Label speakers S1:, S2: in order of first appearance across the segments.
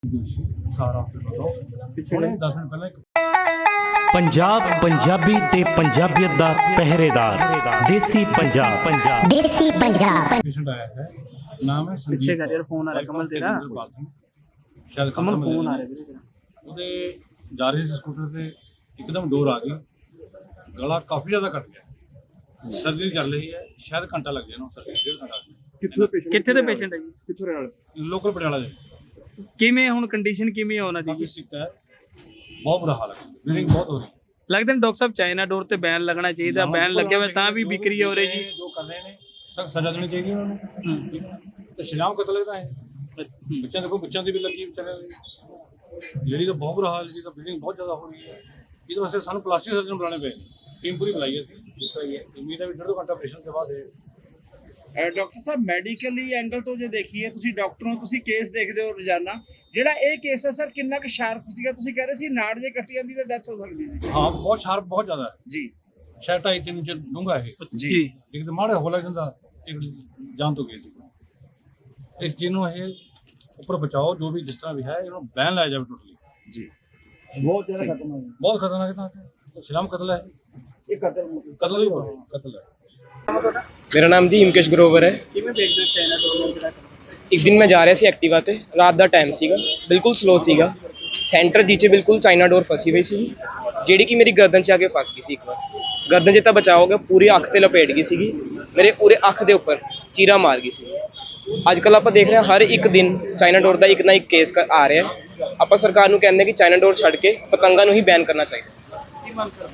S1: ਸਾਰਾ ਪਿੱਛੇ 10 ਮਿੰਟ ਪਹਿਲਾਂ
S2: ਪੰਜਾਬ ਪੰਜਾਬੀ ਤੇ ਪੰਜਾਬੀਅਤ ਦਾ ਪਹਿਰੇਦਾਰ ਦੇਸੀ ਪੰਜਾਬ
S1: ਪੇਸ਼ੈਂਟ ਆਇਆ ਹੈ। ਨਾਮ ਹੈ ਸੰਜੀਤ
S3: पीछे कर यार फोन आ रहा है कमल तेरा
S1: ਸ਼ਾਇਦ
S3: कमल फोन आ रहा है तेरे तेरा
S1: ਉਹਦੇ ਜਾ ਰਹੇ ਸੀ ਸਕੂਟਰ ਤੇ ਇੱਕਦਮ ਡੋਰ ਆ ਗਈ, ਗਲਾ ਕਾਫੀ ਜ਼ਿਆਦਾ ਕੱਟ ਗਿਆ। ਸਰਜਰੀ ਚੱਲ ਰਹੀ ਹੈ, ਸ਼ਾਇਦ ਘੰਟਾ ਲੱਗ ਜਾਣਾ, ਸਰਜਰੀ 1.5 ਘੰਟਾ।
S3: ਕਿੱਥੇ ਦੇ ਪੇਸ਼ੈਂਟ ਹੈ ਜੀ?
S1: ਕਿੱਥੋਂ ਰਹਿਣ ਵਾਲੇ? ਲੋਕਲ ਪਟਿਆਲਾ ਦੇ।
S3: ਕਿਵੇਂ ਹੁਣ ਕੰਡੀਸ਼ਨ ਕਿਵੇਂ ਹੈ ਉਹਨਾਂ ਦੀ
S1: ਕਾਫੀ
S3: ਜੀ?
S1: ਸਿੱਕ ਹੈ, ਬਹੁਤ ਬੁਰਾ ਹਾਲ ਹੈ, ਬਲੀਡਿੰਗ ਬਹੁਤ ਹੋ ਰਹੀ ਹੈ।
S3: ਲੱਗਦਾ ਡਾਕਟਰ ਸਾਹਿਬ ਚਾਈਨਾ ਡੋਰ ਤੇ ਬੈਨ ਲੱਗਣਾ ਚਾਹੀਦਾ, ਬੈਨ ਲੱਗਿਆ ਹੋਇਆ ਤਾਂ ਵੀ ਵਿਕਰੀ ਹੋ ਰਹੀ ਜੀ।
S1: ਜੋ ਕਰ ਰਹੇ ਨੇ ਸਖਤ ਸਜ਼ਾ ਦੇਣੀ ਚਾਹੀਦੀ ਉਹਨਾਂ ਨੂੰ। ਤੇ ਸ਼ਰੀਆਮ ਕਤਲ ਹੈ ਤਾਂ ਹੈ। ਬੱਚਿਆਂ ਦੇਖੋ, ਬੱਚਿਆਂ ਦੀ ਵੀ ਲੱਗੀ ਵਿਚਾਰਿਆਂ ਦੀ, ਜਿਹੜੀ ਤਾਂ ਬਹੁਤ ਬੁਰਾ ਹਾਲ ਜੀ, ਤਾਂ ਬਲੀਡਿੰਗ ਬਹੁਤ ਜ਼ਿਆਦਾ ਹੋ ਰਹੀ ਹੈ। ਇਹਦੇ ਵਾਸਤੇ ਸਾਨੂੰ ਪਲਾਸਟਿਕ ਸਰਜਨ ਬੁਲਾਣੇ ਪਏ ਨੇ, ਟੀਮ ਪੂਰੀ ਬੁਲਾਈ ਅਸੀਂ। ਉਮੀਦ ਹੈ ਵੀ 1.5 ਘੰਟਾ ਆਪਰੇਸ਼ਨ ਤੋਂ ਬਾਅਦ
S4: ਡਾਕਟਰ ਸਾਹਿਬ ਮੈਡੀਕਲੀ ਐਂਗਲ ਤੋਂ ਜੇ ਦੇਖੀਏ, ਤੁਸੀਂ ਡਾਕਟਰ ਹੋ, ਤੁਸੀਂ ਕੇਸ ਦੇਖਦੇ ਹੋ ਰੋਜ਼ਾਨਾ, ਜਿਹੜਾ ਇਹ ਕੇਸ ਹੈ ਸਰ ਕਿੰਨਾ ਕੁ ਸ਼ਾਰਪ ਸੀਗਾ? ਤੁਸੀਂ ਕਹਿ ਰਹੇ ਸੀ ਨਾੜ ਜੇ ਕੱਟੀ ਜਾਂਦੀ ਤਾਂ ਡੈਥ ਹੋ ਸਕਦੀ ਸੀ।
S1: ਹਾਂ, ਬਹੁਤ ਸ਼ਾਰਪ, ਬਹੁਤ ਜ਼ਿਆਦਾ ਹੈ
S4: ਜੀ
S1: ਸ਼ਾਇਦ 2.5-3 ਇੰਚ ਡੂੰਘਾ ਇਹ।
S3: ਜੀ
S1: ਇੱਕ ਤਾਂ ਮਾੜਾ ਹੋ ਲੱਗ ਜਾਂਦਾ, ਇੱਕ ਜਾਨ ਤੋਂ ਗਈ ਸੀ। ਇਸ ਚੀਜ਼ ਨੂੰ ਇਹ ਉੱਪਰ ਬਚਾਓ, ਜੋ ਵੀ ਜਿਸ ਤਰ੍ਹਾਂ ਵੀ ਹੈ, ਇਹਨੂੰ ਬੈਨ ਲਾਇਆ ਜਾਵੇ ਟੋਟਲੀ
S4: ਜੀ।
S1: ਬਹੁਤ ਜ਼ਿਆਦਾ ਖਤਮ ਹੈ, ਬਹੁਤ ਖਤਰਨਾਕ ਹੈ। ਸ਼ਰੀਆਮ ਕਤਲ ਹੈ ਇਹ, ਕਤਲ ਹੈ।
S5: मेरा नाम जी हिमकेश ग्रोवर है।
S3: ਕਿਵੇਂ ਦੇਖਦੇ ਹੋ ਚਾਈਨਾ ਡੋਰ ਨੂੰ ਜਿਹੜਾ
S5: एक दिन मैं जा रहा सी एक्टिवा ते, रात का टाइम सीगा, बिल्कुल स्लो सीगा, सेंटर जी च बिल्कुल चाइना डोर फसी हुई सी, ਜਿਹੜੀ कि मेरी गर्दन च आके फस गई सी। एक बार गर्दन च तां बचाव हो गया, पूरी अख ते लपेट गई सीगी, मेरे पूरे अख दे उपर चीरा मार गई सी। अजकल आप देख रहे हैं हर एक दिन चाइना डोर का एक ना एक केस आ रहा है। आप सरकार नूं कहंदे कि चाइना डोर छड्ड के पतंगां नूं ही बैन करना चाहिए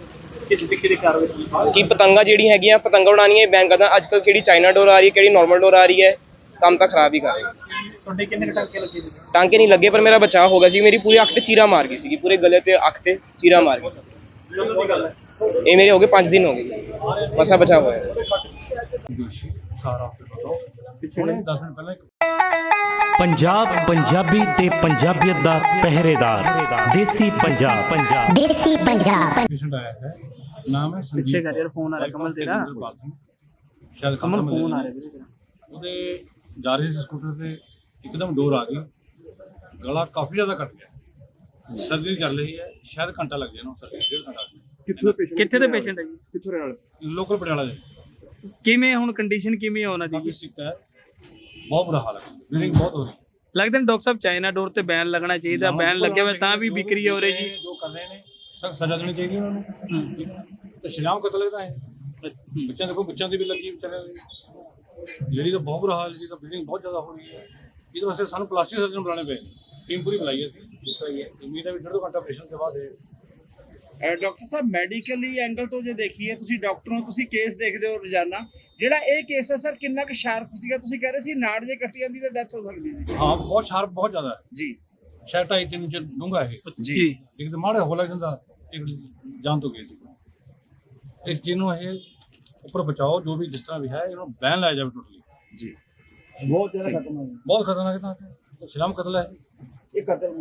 S5: कि पतंगा जिहड़ी हैगियां पतंगा उड़ानियां बैन करना। अजकल किहड़ी चाइना डोर आ रही है, किहड़ी नॉर्मल डोर आ रही है, काम तो खराब ही कर रही है।
S3: ਤੁਹਾਡੇ ਕਿੰਨੇ ਟਾਂਕੇ ਲੱਗੇ ਜੀ?
S5: टांके नहीं लगे पर मेरा बचाव हो गया सी। मेरी पूरी अख ते चीरा मार गई सी, पूरे गले ते अख ते चीरा मार गई सी।
S3: ਕਦੋਂ ਦੀ ਗੱਲ ਹੈ?
S5: ये मेरे हो गए 5 दिन हो गए, मसा बचाव होया सी।
S1: ਸਾਰਾ
S3: ਪਿੱਛੇ
S1: 10 ਮਿੰਟ ਪਹਿਲਾਂ
S2: ਪੰਜਾਬ ਪੰਜਾਬੀ ਤੇ ਪੰਜਾਬੀਅਤ ਦਾ ਪਹਿਰੇਦਾਰ ਦੇਸੀ ਪੰਜਾਬ
S1: ਪੇਸ਼ੈਂਟ ਆਇਆ ਹੈ। ਨਾਮ ਹੈ ਸੰਜੀਤ।
S3: ਪਿੱਛੇ ਕਰ ਯਾਰ ਫੋਨ ਆ ਰਿਹਾ ਕਮਲ ਤੇਰਾ
S1: ਸ਼ਾਇਦ
S3: ਕਮਲ ਫੋਨ ਆ ਰਿਹਾ ਵੀਰੇ ਤੇਰਾ
S1: ਉਹਦੇ ਜਾ ਰਹੇ ਸੀ ਸਕੂਟਰ ਤੇ ਇੱਕਦਮ ਡੋਰ ਆ ਗਈ, ਗਲਾ ਕਾਫੀ ਜ਼ਿਆਦਾ ਕੱਟ ਗਿਆ। ਸਰਜਰੀ ਚੱਲ ਰਹੀ ਹੈ, ਸ਼ਾਇਦ ਘੰਟਾ ਲੱਗ ਜਾਣਾ, ਸਰਜਰੀ 1.5 ਘੰਟਾ।
S3: ਕਿੱਥੇ ਦੇ ਪੇਸ਼ੈਂਟ ਹੈ ਜੀ?
S1: ਕਿੱਥੋਂ ਰਹਿਣ ਵਾਲੇ? ਲੋਕਲ ਪਟਿਆਲਾ ਦੇ।
S3: ਕਿਵੇਂ ਹੁਣ ਕੰਡੀਸ਼ਨ ਕਿਵੇਂ ਹੈ ਉਹਨਾਂ ਦੀ
S1: ਕਾਫੀ
S3: ਜੀ?
S1: ਸਿੱਕ ਹੈ, ਬਹੁਤ ਬੁਰਾ ਹਾਲ ਹੈ, ਬਲੀਡਿੰਗ ਬਹੁਤ ਹੋ ਰਹੀ ਹੈ।
S3: ਲੱਗਦਾ ਡਾਕਟਰ ਸਾਹਿਬ ਚਾਈਨਾ ਡੋਰ ਤੇ ਬੈਨ ਲੱਗਣਾ ਚਾਹੀਦਾ, ਬੈਨ ਲੱਗਿਆ ਹੋਇਆ ਤਾਂ ਵੀ ਵਿਕਰੀ ਹੋ ਰਹੀ ਜੀ।
S1: ਜੋ ਕਰ ਰਹੇ ਨੇ ਸਖਤ ਸਜ਼ਾ ਦੇਣੀ ਚਾਹੀਦੀ ਉਹਨਾਂ ਨੂੰ। ਤੇ ਸ਼ਰੀਆਮ ਕਤਲ ਹੈ ਤਾਂ ਹੈ। ਬੱਚਿਆਂ ਦੇਖੋ, ਬੱਚਿਆਂ ਦੀ ਵੀ ਲੱਗੀ ਵਿਚਾਰਿਆਂ ਦੀ, ਜਿਹੜੀ ਤਾਂ ਬਹੁਤ ਬੁਰਾ ਹਾਲ ਜੀ, ਤਾਂ ਬਲੀਡਿੰਗ ਬਹੁਤ ਜ਼ਿਆਦਾ ਹੋ ਰਹੀ ਹੈ। ਇਹਦੇ ਵਾਸਤੇ ਸਾਨੂੰ ਪਲਾਸਟਿਕ ਸਰਜਨ ਬੁਲਾਣੇ ਪਏ ਨੇ, ਟੀਮ ਪੂਰੀ ਬੁਲਾਈ ਅਸੀਂ। ਉਮੀਦ ਹੈ ਵੀ 1.5 ਘੰਟਾ ਆਪਰੇਸ਼ਨ ਤੋਂ ਬਾਅਦ
S4: ਡਾਕਟਰ ਸਾਹਿਬ ਮੈਡੀਕਲੀ ਐਂਗਲ ਤੋਂ ਜੇ ਦੇਖੀਏ, ਤੁਸੀਂ ਡਾਕਟਰ ਹੋ, ਤੁਸੀਂ ਕੇਸ ਦੇਖਦੇ ਹੋ ਰੋਜ਼ਾਨਾ, ਜਿਹੜਾ ਇਹ ਕੇਸ ਹੈ ਸਰ ਕਿੰਨਾ ਕੁ ਸ਼ਾਰਪ ਸੀਗਾ? ਤੁਸੀਂ ਕਹਿ ਰਹੇ ਸੀ ਨਾੜ ਜੇ ਕੱਟੀ ਜਾਂਦੀ ਤਾਂ ਡੈਥ ਹੋ ਸਕਦੀ ਸੀ।
S1: ਹਾਂ, ਬਹੁਤ ਸ਼ਾਰਪ, ਬਹੁਤ ਜ਼ਿਆਦਾ ਹੈ।
S4: ਜੀ
S1: ਸ਼ਾਇਦ 2.5-3 ਇੰਚ ਡੂੰਘਾ ਇਹ।
S3: ਜੀ
S1: ਇੱਕ ਤਾਂ ਮਾੜਾ ਹੋ ਲੱਗ ਜਾਂਦਾ, ਇੱਕ ਜਾਨ ਤੋਂ ਗਈ ਸੀ। ਇਸ ਚੀਜ਼ ਨੂੰ ਇਹ ਉੱਪਰ ਬਚਾਓ, ਜੋ ਵੀ ਜਿਸ ਤਰ੍ਹਾਂ ਵੀ ਹੈ, ਇਹਨੂੰ ਬੈਨ ਲਾਇਆ ਜਾਵੇ ਟੋਟਲੀ।
S4: ਜੀ।
S1: ਬਹੁਤ ਖਤਰਨਾਕ ਹੈ। ਸ਼ਰੀਆਮ ਕਤਲ ਹੈ ਇਹ,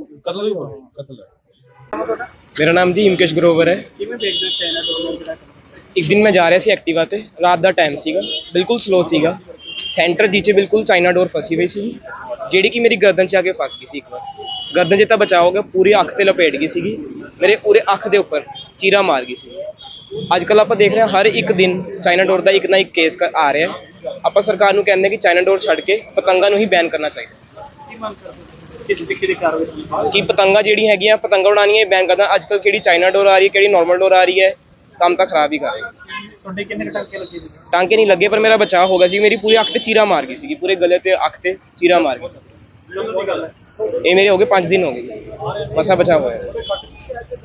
S1: ਕਤਲ ਹੈ।
S5: मेरा नाम जी हिमकेश ग्रोवर है।
S3: ਕਿਵੇਂ ਦੇਖਦੇ ਹੋ ਚਾਈਨਾ ਡੋਰ ਨੂੰ ਜਿਹੜਾ
S5: एक दिन मैं जा रहा सी एक्टिवा ते, रात का टाइम सीगा, बिल्कुल स्लो सीगा, सेंटर जी च बिल्कुल चाइना डोर फसी हुई सी, ਜਿਹੜੀ कि मेरी गर्दन च आके फस गई सी। एक बार गर्दन च तां बचाव हो गया, पूरी अख ते लपेट गई सीगी, मेरे पूरे अख दे उपर चीरा मार गई सी। अजकल आप देख रहे हैं हर एक दिन चाइना डोर का एक ना एक केस आ रहा है। आप सरकार नूं कहंदे कि चाइना डोर छड्ड के पतंगा नूं ही बैन करना चाहिए कि पतंगा जिहड़ी हैगियां पतंगा उड़ानियां बैन करना। अजकल किहड़ी चाइना डोर आ रही है, किहड़ी नॉर्मल डोर आ रही है, काम तो खराब ही कर रही है।
S3: ਤੁਹਾਡੇ ਕਿੰਨੇ ਟਾਂਕੇ ਲੱਗੇ ਜੀ?
S5: टांके नहीं लगे पर मेरा बचाव हो गया सी। मेरी पूरी अख ते चीरा मार गई सी, पूरे गले ते अख ते चीरा मार गई सी।
S3: ਕਦੋਂ ਦੀ ਗੱਲ ਹੈ?
S5: ये मेरे हो गए 5 दिन हो गए, मसा बचाव होया सी।